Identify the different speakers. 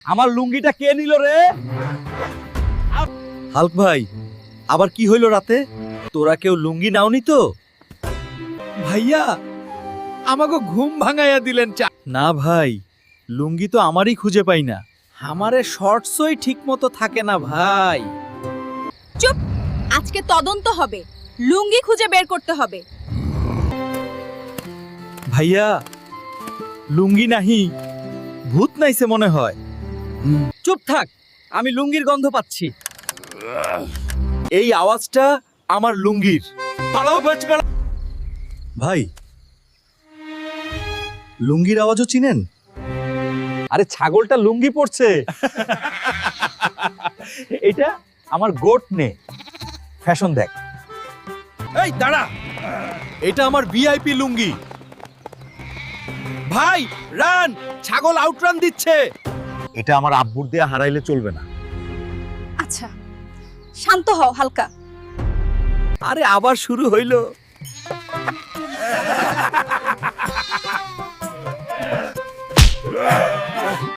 Speaker 1: আমার লুঙ্গিটা কে নিল রে? হাল্ক ভাই, আবার কি হইল রাতে? তোরা কেউ লুঙ্গি নাওনি তো?
Speaker 2: ভাইয়া আমাকে ঘুম ভাঙাইয়া দিলেন
Speaker 1: না ভাই, লুঙ্গি তো আমারই খুঁজে পাই না।
Speaker 2: আমারে শর্টসই ঠিক মতো থাকে না ভাই।
Speaker 3: চুপ, আজকে তদন্ত হবে, লুঙ্গি খুঁজে বের করতে হবে।
Speaker 1: ভাইয়া, লুঙ্গি নাহি, ভূত নাইছে মনে হয়।
Speaker 2: চুপ থাক, আমি লুঙ্গির গন্ধ পাচ্ছি।
Speaker 1: এই আওয়াজটা আমার লুঙ্গির। পালাও বাঁচবে। ভাই, লুঙ্গির আওয়াজও চিনেন? আরে ছাগলটা লুঙ্গি পড়ছে। এটা আমার গোট নে, ফ্যাশন দেখ।
Speaker 2: এই দাঁড়া, এটা আমার ভিআইপি লুঙ্গি। ভাই রান, ছাগল আউটরান দিচ্ছে।
Speaker 1: এটা আমার আব্বুর দেয়া হারাইলে চলবে না।
Speaker 3: আচ্ছা, শান্ত হও হালকা।
Speaker 2: আরে আবার শুরু হইলো।